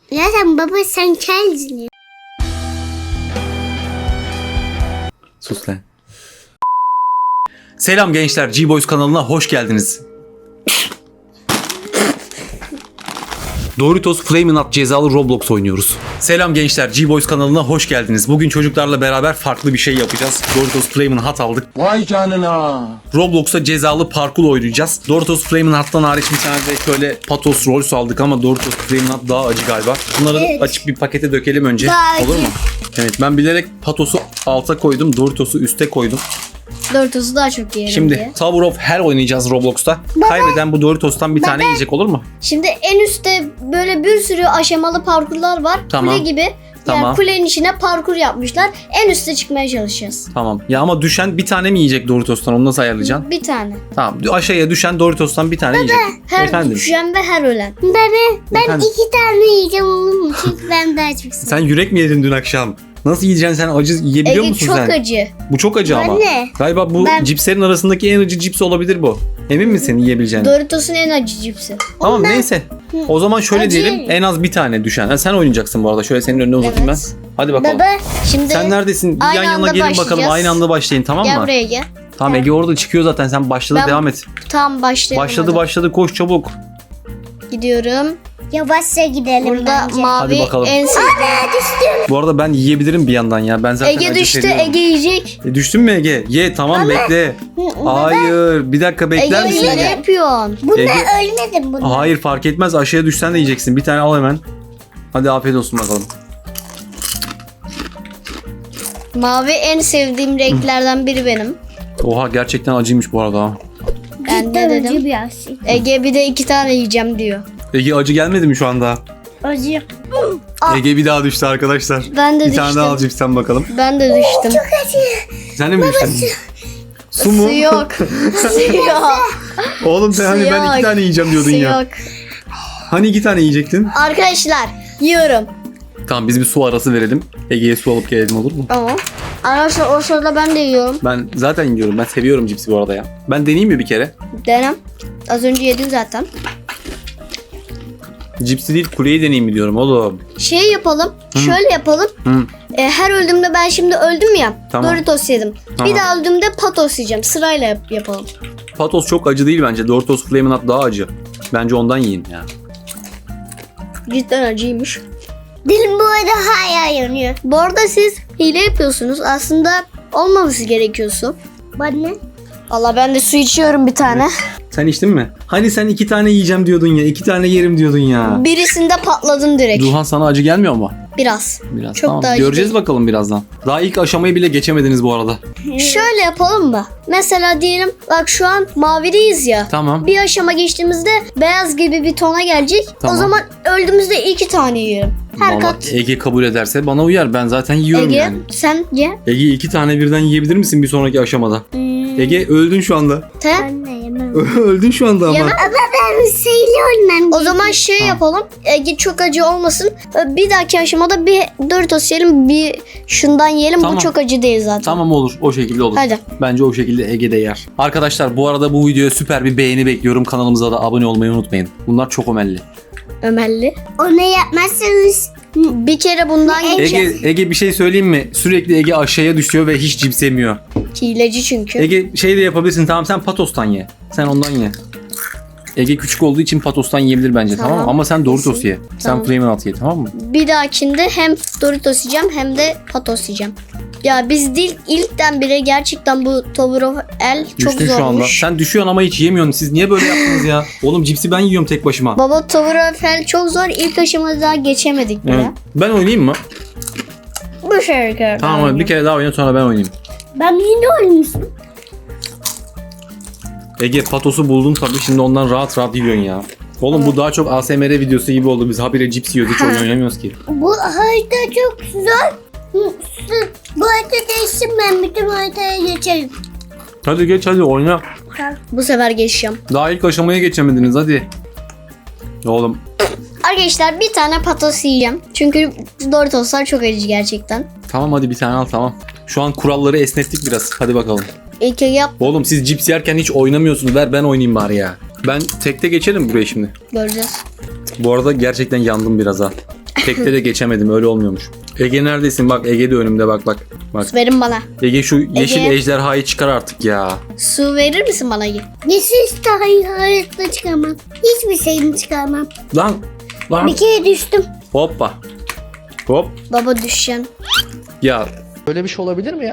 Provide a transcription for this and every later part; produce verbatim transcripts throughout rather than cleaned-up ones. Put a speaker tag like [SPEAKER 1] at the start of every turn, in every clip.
[SPEAKER 1] Zaten baba sen kendin ya.
[SPEAKER 2] Sus lan. Selam gençler, G-Boys kanalına hoş geldiniz. Doritos Flamin' Hot cezalı Roblox oynuyoruz. Selam gençler, G-Boys kanalına hoş geldiniz. Bugün çocuklarla beraber farklı bir şey yapacağız. Doritos Flamin' Hot aldık.
[SPEAKER 3] Vay canına.
[SPEAKER 2] Roblox'ta cezalı parkur oynayacağız. Doritos Flamin' Hot'tan hariç bir tane de şöyle Patos Rolls aldık ama Doritos Flamin' Hot daha acı galiba. Bunları
[SPEAKER 1] Evet.
[SPEAKER 2] açıp bir pakete dökelim önce.
[SPEAKER 1] Daha
[SPEAKER 2] Olur
[SPEAKER 1] acı.
[SPEAKER 2] mu? Evet, ben bilerek Patos'u alta koydum, Doritos'u üste koydum.
[SPEAKER 4] Doritos'u daha çok yerim
[SPEAKER 2] Şimdi
[SPEAKER 4] diye.
[SPEAKER 2] Tower of Hell oynayacağız Roblox'ta. Kaybeden bu Doritos'tan bir tane yiyecek, olur mu?
[SPEAKER 4] Şimdi en üstte böyle bir sürü aşamalı parkurlar var.
[SPEAKER 2] Tamam.
[SPEAKER 4] Kule gibi.
[SPEAKER 2] Tamam.
[SPEAKER 4] Yani kulenin içine parkur yapmışlar. En üste çıkmaya çalışacağız.
[SPEAKER 2] Tamam. Ya ama düşen bir tane mi yiyecek Doritos'tan? Onu nasıl ayarlayacaksın?
[SPEAKER 4] Bir tane.
[SPEAKER 2] Tamam. Aşağıya düşen Doritos'tan bir tane yiyecek.
[SPEAKER 4] Her
[SPEAKER 2] Efendim.
[SPEAKER 4] düşen ve her ölen.
[SPEAKER 1] Baba ben
[SPEAKER 2] Efendim?
[SPEAKER 1] iki tane yiyeceğim olur mu? Çünkü ben daha çok seviyorum.
[SPEAKER 2] Sen yürek mi yedin dün akşam? Nasıl yiyeceksin sen? Acı yiyebiliyor
[SPEAKER 4] Ege
[SPEAKER 2] musun
[SPEAKER 4] çok
[SPEAKER 2] sen?
[SPEAKER 4] acı.
[SPEAKER 2] Bu çok acı ama.
[SPEAKER 1] Anne.
[SPEAKER 2] Galiba bu
[SPEAKER 1] Ben-
[SPEAKER 2] cipslerin arasındaki en acı cips olabilir bu. Emin misin yiyebileceğine?
[SPEAKER 4] Doritos'un en acı cipsi.
[SPEAKER 2] Tamam neyse. O zaman şöyle
[SPEAKER 1] Acı
[SPEAKER 2] diyelim,
[SPEAKER 1] yerim.
[SPEAKER 2] en az bir tane düşen. Ha, sen oynayacaksın bu arada. Şöyle senin önüne uzatayım
[SPEAKER 4] Evet.
[SPEAKER 2] ben. Hadi bakalım.
[SPEAKER 1] Baba
[SPEAKER 4] Şimdi
[SPEAKER 2] Sen neredesin? Bir
[SPEAKER 4] aynı
[SPEAKER 2] yan yana
[SPEAKER 4] anda
[SPEAKER 2] gelin bakalım.
[SPEAKER 4] başlayacağız.
[SPEAKER 2] Aynı anda başlayın, tamam
[SPEAKER 4] gel
[SPEAKER 2] mı?
[SPEAKER 4] buraya gel.
[SPEAKER 2] Tamam, Ege orada çıkıyor zaten. Sen başladı,
[SPEAKER 4] Ben-
[SPEAKER 2] devam et.
[SPEAKER 4] Tam başlayalım.
[SPEAKER 2] Başladı
[SPEAKER 4] hadi.
[SPEAKER 2] başladı, koş çabuk.
[SPEAKER 4] Gidiyorum.
[SPEAKER 1] yavaşça gidelim
[SPEAKER 4] Burada
[SPEAKER 1] bence.
[SPEAKER 4] mavi
[SPEAKER 2] Hadi bakalım.
[SPEAKER 4] en sevdiğim.
[SPEAKER 2] Bu arada ben yiyebilirim bir yandan ya. Ben zaten
[SPEAKER 4] Ege
[SPEAKER 2] acı
[SPEAKER 4] düştü.
[SPEAKER 2] seviyorum.
[SPEAKER 4] Ege yiyecek.
[SPEAKER 2] E, düştün mü Ege? Ye, tamam bekle. Hayır, bir dakika bekler
[SPEAKER 4] Ege
[SPEAKER 2] misin
[SPEAKER 4] ne
[SPEAKER 2] Ege?
[SPEAKER 4] yapıyorsun?
[SPEAKER 1] Bunda
[SPEAKER 2] Ege-
[SPEAKER 1] ölmedim bunda.
[SPEAKER 2] Hayır, fark etmez, aşağıya düşsen de yiyeceksin. Bir tane al hemen. Hadi afiyet olsun bakalım.
[SPEAKER 4] Mavi en sevdiğim renklerden biri benim.
[SPEAKER 2] Oha, gerçekten acıymış bu arada ha.
[SPEAKER 4] Ben
[SPEAKER 1] Cidden
[SPEAKER 4] de
[SPEAKER 1] acı
[SPEAKER 4] dedim.
[SPEAKER 1] bir şey.
[SPEAKER 4] Ege bir de iki tane yiyeceğim diyor.
[SPEAKER 2] Ege acı gelmedi mi şu anda?
[SPEAKER 1] Acı.
[SPEAKER 2] Ege bir daha düştü arkadaşlar.
[SPEAKER 4] Ben de
[SPEAKER 2] Bir tane daha al
[SPEAKER 4] düştüm.
[SPEAKER 2] cipsten bakalım.
[SPEAKER 4] Ben de düştüm.
[SPEAKER 2] Sen de mi düştün? Su mu?
[SPEAKER 4] Su yok. Su yok.
[SPEAKER 2] Oğlum sen hani
[SPEAKER 4] Su
[SPEAKER 2] ben iki
[SPEAKER 4] yok.
[SPEAKER 2] tane yiyeceğim diyordun
[SPEAKER 4] Su
[SPEAKER 2] ya.
[SPEAKER 4] yok.
[SPEAKER 2] Hani iki tane yiyecektin?
[SPEAKER 4] Arkadaşlar yiyorum.
[SPEAKER 2] Tamam, biz bir su arası verelim. Ege'ye su alıp gelelim, olur mu?
[SPEAKER 4] Tamam. Arkadaşlar o sırada ben de yiyorum.
[SPEAKER 2] Ben zaten yiyorum. Ben seviyorum cipsi bu arada ya. Ben deneyeyim mi bir kere?
[SPEAKER 4] Denem. Az önce yedim zaten.
[SPEAKER 2] Cipsi değil, kuleyi deneyeyim mi diyorum oğlum.
[SPEAKER 4] Şey yapalım. Şöyle yapalım.
[SPEAKER 2] Hı.
[SPEAKER 4] E, her öldüğümde ben şimdi öldüm ya.
[SPEAKER 2] Tamam.
[SPEAKER 4] Doritos yedim.
[SPEAKER 2] Tamam.
[SPEAKER 4] Bir daha öldüğümde Patos yiyeceğim. Sırayla yap- yapalım.
[SPEAKER 2] Patos çok acı değil bence. Doritos Flamin' Hot daha acı. Bence ondan yiyin ya.
[SPEAKER 4] Cidden acıymış.
[SPEAKER 1] Dilim bu arada hala yanıyor.
[SPEAKER 4] Bu arada siz hile yapıyorsunuz. Aslında olmaması gerekiyor su.
[SPEAKER 1] Bana ne?
[SPEAKER 4] Valla ben de su içiyorum bir tane.
[SPEAKER 2] Sen içtin mi? Hani sen iki tane yiyeceğim diyordun ya. iki tane yerim diyordun ya.
[SPEAKER 4] Birisinde patladım direkt.
[SPEAKER 2] Duhan, sana acı gelmiyor mu?
[SPEAKER 4] Biraz.
[SPEAKER 2] Biraz.
[SPEAKER 4] Çok
[SPEAKER 2] tamam.
[SPEAKER 4] daha acı
[SPEAKER 2] Göreceğiz
[SPEAKER 4] değil.
[SPEAKER 2] bakalım birazdan. Daha ilk aşamayı bile geçemediniz bu arada.
[SPEAKER 4] Şöyle yapalım mı? Mesela diyelim bak şu an mavideyiz ya.
[SPEAKER 2] Tamam.
[SPEAKER 4] Bir aşama geçtiğimizde beyaz gibi bir tona gelecek.
[SPEAKER 2] Tamam.
[SPEAKER 4] O zaman öldüğümüzde iki tane yiyorum. Her
[SPEAKER 2] Vallahi
[SPEAKER 4] kat.
[SPEAKER 2] Ege kabul ederse bana uyar. Ben zaten yiyorum
[SPEAKER 4] Ege
[SPEAKER 2] yani.
[SPEAKER 4] sen ye.
[SPEAKER 2] Ege iki tane birden yiyebilir misin bir sonraki aşamada? Ege öldün şu anda.
[SPEAKER 4] Te.
[SPEAKER 1] Ben de yemem.
[SPEAKER 2] öldün şu anda ama.
[SPEAKER 4] Yemem.
[SPEAKER 1] Ben sayılı ölmem.
[SPEAKER 4] O zaman şey yapalım. Ege çok acı olmasın. Bir dahaki aşamada bir Doritos yiyelim, bir şundan yiyelim.
[SPEAKER 2] Tamam.
[SPEAKER 4] Bu çok acı değil zaten.
[SPEAKER 2] Tamam, olur. O şekilde olur.
[SPEAKER 4] Hadi.
[SPEAKER 2] Bence o şekilde Ege de yer. Arkadaşlar bu arada bu videoya süper bir beğeni bekliyorum. Kanalımıza da abone olmayı unutmayın. Bunlar çok ömelli.
[SPEAKER 4] Ömerli.
[SPEAKER 1] Onu yapmazsanız
[SPEAKER 4] Bir kere bundan
[SPEAKER 2] Ege,
[SPEAKER 4] geçeceğiz.
[SPEAKER 2] Ege bir şey söyleyeyim mi? Sürekli Ege aşağıya düşüyor ve hiç cips yemiyor.
[SPEAKER 4] Hileci çünkü.
[SPEAKER 2] Ege şey de yapabilirsin. Tamam, sen Patos'tan ye. Sen ondan ye. Ege küçük olduğu için Patos'tan yiyebilir bence, tamam,
[SPEAKER 4] Tamam.
[SPEAKER 2] mı? Ama sen Doritos ye. Sen
[SPEAKER 4] Tamam.
[SPEAKER 2] Flamin' Hot ye, tamam mı?
[SPEAKER 4] Bir dahakinde hem Doritos yiyeceğim hem de Patos yiyeceğim. Ya biz değil ilkten beri gerçekten bu Tower of Hell çok
[SPEAKER 2] Düştün şu anda.
[SPEAKER 4] zormuş.
[SPEAKER 2] Sen düşüyorsun ama hiç yemiyorsun. Siz niye böyle yaptınız ya? Oğlum cipsi ben yiyorum tek başıma.
[SPEAKER 4] Baba Tower of Hell çok zor. İlk aşamada daha geçemedik bile.
[SPEAKER 2] Evet. Ben oynayayım mı?
[SPEAKER 4] Bu şarkı.
[SPEAKER 2] Tamam, hadi bir kere daha oyna, sonra ben oynayayım.
[SPEAKER 1] ben yine ölmüşüm.
[SPEAKER 2] Ege Patos'u buldun tabii, şimdi ondan rahat rahat yiyorsun ya. Oğlum bu daha çok A S M R videosu gibi oldu. Biz habire cips yiyoruz, hiç oyun oynamıyoruz ki.
[SPEAKER 1] Bu harita çok zor. Bu harita değişsin, ben bütün haritaya geçerim.
[SPEAKER 2] Hadi geç, hadi oyna.
[SPEAKER 4] Bu sefer geçeceğim.
[SPEAKER 2] Daha ilk aşamaya geçemediniz, hadi. Oğlum
[SPEAKER 4] Arkadaşlar bir tane Patos yiyeceğim. Çünkü Doritoslar çok acı gerçekten.
[SPEAKER 2] tamam, hadi bir tane al, tamam. Şu an kuralları esnettik biraz. Hadi bakalım.
[SPEAKER 4] İlk yap
[SPEAKER 2] Oğlum siz cips yerken hiç oynamıyorsunuz. Ver ben oynayayım bari ya. Ben tekte geçelim buraya şimdi.
[SPEAKER 4] göreceğiz.
[SPEAKER 2] Bu arada gerçekten yandım biraz ha. Tekte de geçemedim, öyle olmuyormuş. Ege neredesin? Bak Ege de önümde, bak bak. Bak.
[SPEAKER 4] Su verin bana.
[SPEAKER 2] Ege şu yeşil
[SPEAKER 4] Ege.
[SPEAKER 2] ejderhayı çıkar artık ya.
[SPEAKER 4] Su verir misin bana?
[SPEAKER 1] Yeşil dahi hayatta çıkamam. Hiçbir şeyini çıkarmam.
[SPEAKER 2] Lan lan.
[SPEAKER 1] Bir kere düştüm.
[SPEAKER 2] Hoppa. Hop.
[SPEAKER 4] Baba düşen.
[SPEAKER 2] Ya
[SPEAKER 3] Böyle bir şey olabilir mi ya?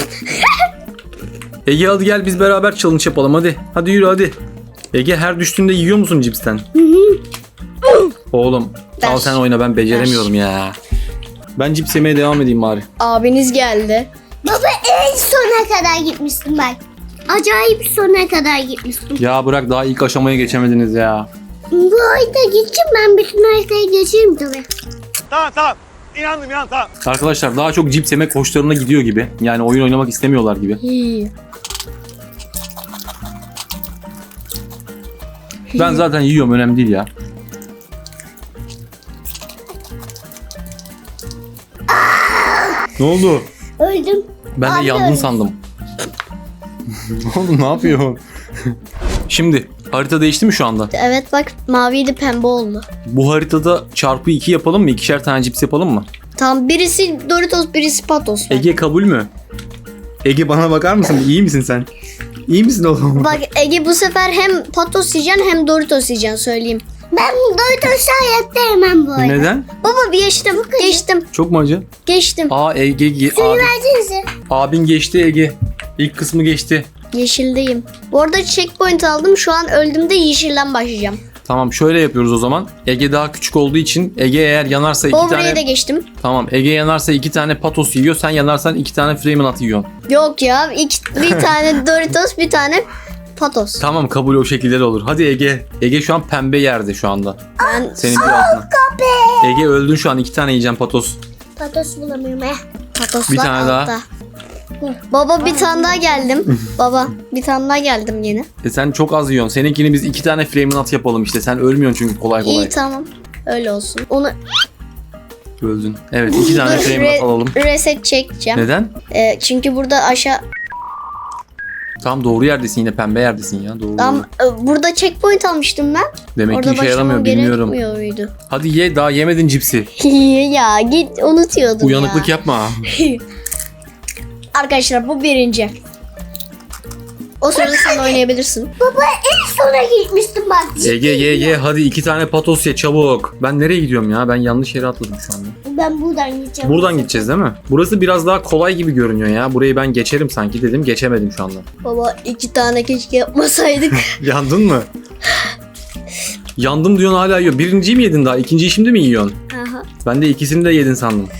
[SPEAKER 2] Ege hadi gel biz beraber challenge yapalım hadi. Hadi yürü hadi. Ege her düştüğünde yiyor musun cipsten? Oğlum
[SPEAKER 4] Ver.
[SPEAKER 2] al sen oyna, ben beceremiyorum ya. Ben cips yemeye devam edeyim bari.
[SPEAKER 4] Abiniz geldi.
[SPEAKER 1] Baba en sona kadar gitmiştim ben. Acayip sona kadar gitmiştim.
[SPEAKER 2] Ya bırak, daha ilk aşamaya geçemediniz ya.
[SPEAKER 1] Bu ayda gideceğim, ben bütün haritayı geçeyim tabii.
[SPEAKER 5] Tamam tamam. İnandım inan tamam.
[SPEAKER 2] Arkadaşlar daha çok cips yemek hoşlarına gidiyor gibi. Yani oyun oynamak istemiyorlar gibi.
[SPEAKER 4] Hii.
[SPEAKER 2] Ben zaten yiyorum, önemli değil ya. Ne oldu?
[SPEAKER 1] Öldüm.
[SPEAKER 2] Ben de
[SPEAKER 1] Abi
[SPEAKER 2] yandın
[SPEAKER 1] öyle.
[SPEAKER 2] sandım. Ne oldu, ne yapıyorsun? Şimdi harita değişti mi şu anda?
[SPEAKER 4] Evet bak, maviydi pembe oldu.
[SPEAKER 2] Bu haritada çarpı iki yapalım mı? İkişer tane cips yapalım mı?
[SPEAKER 4] Tamam, birisi Doritos, birisi Patos.
[SPEAKER 2] Ege kabul mü? Ege bana bakar mısın? İyi misin sen? İyi misin oğlum?
[SPEAKER 4] Bak Ege, bu sefer hem Patos yiyeceksin hem Doritos yiyeceksin, söyleyeyim.
[SPEAKER 1] Ben Doritos'u hayatta yemem bu arada.
[SPEAKER 2] Neden?
[SPEAKER 4] Baba bir geçtim, geçtim,
[SPEAKER 2] Çok mu acı?
[SPEAKER 4] geçtim.
[SPEAKER 2] Aa Ege, ge-
[SPEAKER 1] Suyu
[SPEAKER 2] abi,
[SPEAKER 1] versenize.
[SPEAKER 2] abin geçti Ege. İlk kısmı geçti.
[SPEAKER 4] Yeşildeyim. Bu arada checkpoint aldım, şu an öldüğümde yeşilden başlayacağım.
[SPEAKER 2] Tamam şöyle yapıyoruz o zaman. Ege daha küçük olduğu için Ege eğer yanarsa iki
[SPEAKER 4] Over'e
[SPEAKER 2] tane...
[SPEAKER 4] de geçtim.
[SPEAKER 2] Tamam Ege yanarsa iki tane patos yiyor. Sen yanarsan iki tane Flaminat yiyorsun.
[SPEAKER 4] Yok ya, iki, bir tane Doritos, bir tane Patos.
[SPEAKER 2] Tamam kabul, o şekilde de olur. Hadi Ege. Ege şu an pembe yerde şu anda.
[SPEAKER 4] Ben
[SPEAKER 2] Senin bir altına. Ege öldün şu an, iki tane yiyeceğim patos.
[SPEAKER 1] Patos bulamıyorum eh.
[SPEAKER 4] Patoslar
[SPEAKER 2] Bir tane daha.
[SPEAKER 4] altta. Baba bir tane daha geldim. Baba bir tane daha geldim yine.
[SPEAKER 2] E sen çok az yiyorsun. Seninkini biz iki tane Flaminat yapalım işte. Sen ölmüyorsun çünkü kolay kolay.
[SPEAKER 4] İyi tamam. Öyle olsun. Onu
[SPEAKER 2] Öldün. Evet iki tane
[SPEAKER 4] Dur,
[SPEAKER 2] Flaminat
[SPEAKER 4] re-
[SPEAKER 2] alalım.
[SPEAKER 4] reset çekeceğim.
[SPEAKER 2] Neden?
[SPEAKER 4] Ee, çünkü burada aşağı
[SPEAKER 2] Tam doğru yerdesin, yine pembe yerdesin ya. Doğru.
[SPEAKER 4] tam
[SPEAKER 2] doğru.
[SPEAKER 4] e, burada checkpoint almıştım ben.
[SPEAKER 2] Demek
[SPEAKER 4] Orada
[SPEAKER 2] ki işe
[SPEAKER 4] başlamam
[SPEAKER 2] yaramıyor, bilmiyorum.
[SPEAKER 4] gerekmiyor muydu?
[SPEAKER 2] Hadi ye, daha yemedin cipsi.
[SPEAKER 4] Ya git, unutuyordum
[SPEAKER 2] Uyanıklık
[SPEAKER 4] ya.
[SPEAKER 2] yapma.
[SPEAKER 4] Arkadaşlar bu birinci. O sırada sen oynayabilirsin.
[SPEAKER 1] Baba en sona gitmiştim bak.
[SPEAKER 2] Ege ye ye hadi iki tane patos ye çabuk. Ben nereye gidiyorum ya? Ben yanlış yere atladım şu anda.
[SPEAKER 1] Ben buradan gideceğim.
[SPEAKER 2] Buradan gideceğiz değil mi? Burası biraz daha kolay gibi görünüyor ya. Burayı ben geçerim sanki dedim. Geçemedim şu anda.
[SPEAKER 4] Baba iki tane keşke yapmasaydık.
[SPEAKER 2] Yandın mı? Yandım diyorsun hala yiyor. Birinciyi mi yedin daha? İkinciyi şimdi mi yiyorsun?
[SPEAKER 4] Aha.
[SPEAKER 2] Ben de ikisini de yedin sandım.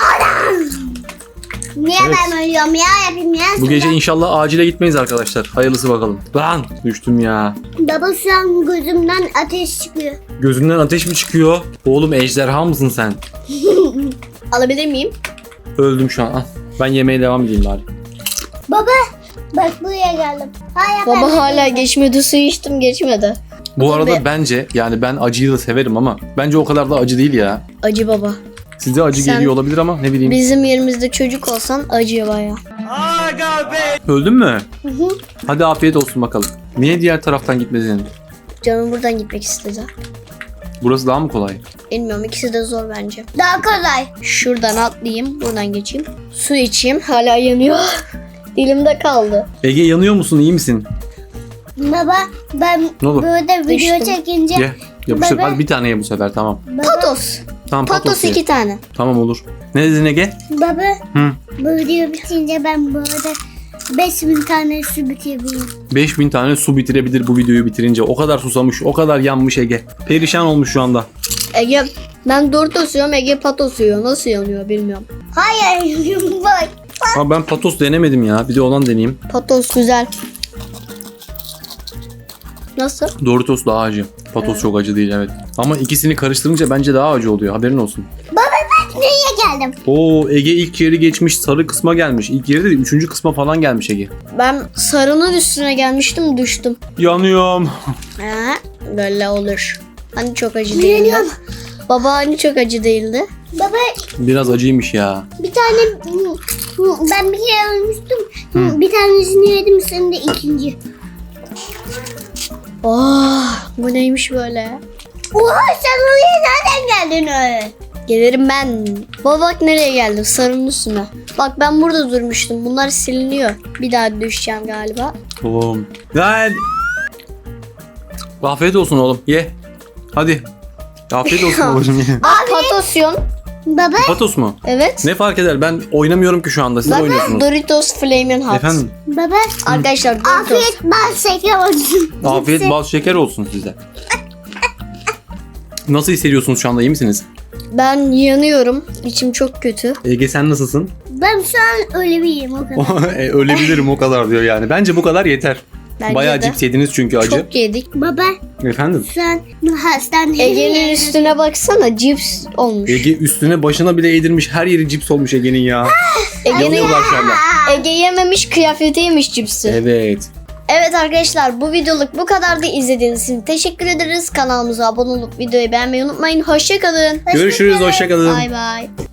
[SPEAKER 1] Niye
[SPEAKER 2] Evet.
[SPEAKER 1] ben ölüyorum ya, yapayım ya.
[SPEAKER 2] Bu gece inşallah acile gitmeyiz arkadaşlar. Hayırlısı bakalım. Lan düştüm ya.
[SPEAKER 1] Baba şu an gözümden ateş çıkıyor.
[SPEAKER 2] Gözünden ateş mi çıkıyor? Oğlum ejderha mısın sen?
[SPEAKER 4] Alabilir miyim?
[SPEAKER 2] Öldüm şu an. Al. Ben yemeğe devam edeyim bari.
[SPEAKER 1] Baba bak buraya geldim. Hala ben
[SPEAKER 4] Baba hala
[SPEAKER 1] buradayım.
[SPEAKER 4] geçmedi, su içtim geçmedi.
[SPEAKER 2] Bu arada
[SPEAKER 4] Be-
[SPEAKER 2] bence yani ben acıyı da severim ama bence o kadar da acı değil ya.
[SPEAKER 4] Acı baba.
[SPEAKER 2] Size acı
[SPEAKER 4] Sen-
[SPEAKER 2] geliyor olabilir ama ne bileyim.
[SPEAKER 4] Bizim yerimizde çocuk olsan acıyor baya.
[SPEAKER 5] Aga be.
[SPEAKER 2] Öldün mü? Hadi afiyet olsun bakalım. Niye diğer taraftan gitmedin?
[SPEAKER 4] Canım buradan gitmek istedi.
[SPEAKER 2] Burası daha mı kolay?
[SPEAKER 4] Bilmiyorum, ikisi de zor bence.
[SPEAKER 1] Daha kolay.
[SPEAKER 4] Şuradan atlayayım, buradan geçeyim. Su içeyim, hala yanıyor. Dilimde kaldı.
[SPEAKER 2] Ege yanıyor musun? İyi misin?
[SPEAKER 1] Baba ben
[SPEAKER 2] Ne olur?
[SPEAKER 1] burada video
[SPEAKER 4] Düştüm.
[SPEAKER 1] çekince
[SPEAKER 2] Ye. Yapıştır.
[SPEAKER 1] Baba.
[SPEAKER 2] Hadi bir tane ye bu sefer tamam.
[SPEAKER 1] baba,
[SPEAKER 4] Patos.
[SPEAKER 2] Tamam
[SPEAKER 4] Patos
[SPEAKER 2] patos ye.
[SPEAKER 4] iki tane.
[SPEAKER 2] Tamam olur. Ne dedin Ege?
[SPEAKER 1] baba
[SPEAKER 2] Hı.
[SPEAKER 1] bu video bitince ben bu arada beş bin tane su bitirebilirim.
[SPEAKER 2] beş bin tane su bitirebilir bu videoyu bitirince. O kadar susamış, o kadar yanmış Ege. Perişan olmuş şu anda.
[SPEAKER 4] Ege, ben Doritos yiyorum, Ege Patos yiyor. Nasıl yanıyor bilmiyorum.
[SPEAKER 1] Hayır bak.
[SPEAKER 2] Ama ben patos denemedim ya. Bir de olan deneyeyim.
[SPEAKER 4] Patos güzel. Nasıl?
[SPEAKER 2] Doritos daha acı. Patos çok acı değil evet. Ama ikisini karıştırınca bence daha acı oluyor. Haberin olsun.
[SPEAKER 1] Baba ben nereye geldim?
[SPEAKER 2] Oo Ege ilk yeri geçmiş, sarı kısma gelmiş. İlk yeri de üçüncü kısma falan gelmiş Ege.
[SPEAKER 4] Ben sarının üstüne gelmiştim, düştüm.
[SPEAKER 2] Yanıyorum.
[SPEAKER 4] Ha, böyle olur. Hani çok acı değildi.
[SPEAKER 1] Yanıyorum.
[SPEAKER 4] Baba hani çok acı değildi.
[SPEAKER 1] Baba
[SPEAKER 2] Biraz acıymış ya.
[SPEAKER 1] bir tane ben bir kere ölmüştüm. Bir tanesini yedim, sen de ikinci.
[SPEAKER 4] Oh, bu neymiş böyle?
[SPEAKER 1] Oha sen oraya nereden geldin öyle?
[SPEAKER 4] Gelirim ben. Baba bak nereye geldim, sarının üstüne. Bak ben burada durmuştum. Bunlar siliniyor. Bir daha düşeceğim galiba.
[SPEAKER 2] Oğlum. Lan. Afiyet olsun oğlum. Ye. Hadi. Afiyet olsun babacığım ye.
[SPEAKER 4] Bak patosyon.
[SPEAKER 1] Baba
[SPEAKER 2] Patos mu?
[SPEAKER 4] Evet.
[SPEAKER 2] Ne fark eder? Ben oynamıyorum ki şu anda. Siz
[SPEAKER 4] Bak
[SPEAKER 2] oynuyorsunuz.
[SPEAKER 4] Doritos Flamin' Hot.
[SPEAKER 2] Efendim?
[SPEAKER 1] baba
[SPEAKER 4] Arkadaşlar Doritos.
[SPEAKER 1] afiyet bal şeker olsun.
[SPEAKER 2] Afiyet bal şeker olsun size. Nasıl hissediyorsunuz şu anda? İyi misiniz?
[SPEAKER 4] Ben yanıyorum. İçim çok kötü.
[SPEAKER 2] Ege sen nasılsın?
[SPEAKER 1] Ben şu an öyle biriyim o kadar.
[SPEAKER 2] E, Ölebilirim o kadar diyor yani. Bence bu kadar yeter.
[SPEAKER 4] Bence
[SPEAKER 2] Bayağı
[SPEAKER 4] de.
[SPEAKER 2] cips yediniz çünkü acı.
[SPEAKER 4] Çok yedik.
[SPEAKER 1] Baba
[SPEAKER 2] Efendim?
[SPEAKER 1] sen hastaneye
[SPEAKER 4] Ege'nin üstüne baksana, cips olmuş.
[SPEAKER 2] Ege üstüne başına bile eğdirmiş. Her yeri cips olmuş Ege'nin ya.
[SPEAKER 4] Ege'nin
[SPEAKER 2] Yanıyorlar şu anda.
[SPEAKER 4] Ege yememiş, kıyafeti yemiş cipsi.
[SPEAKER 2] Evet.
[SPEAKER 4] Evet arkadaşlar, bu videoluk bu kadardı. İzlediğiniz için teşekkür ederiz. Kanalımıza abone olup videoyu beğenmeyi unutmayın. Hoşçakalın.
[SPEAKER 2] Görüşürüz. Hoşça kalın.
[SPEAKER 4] Bay bay.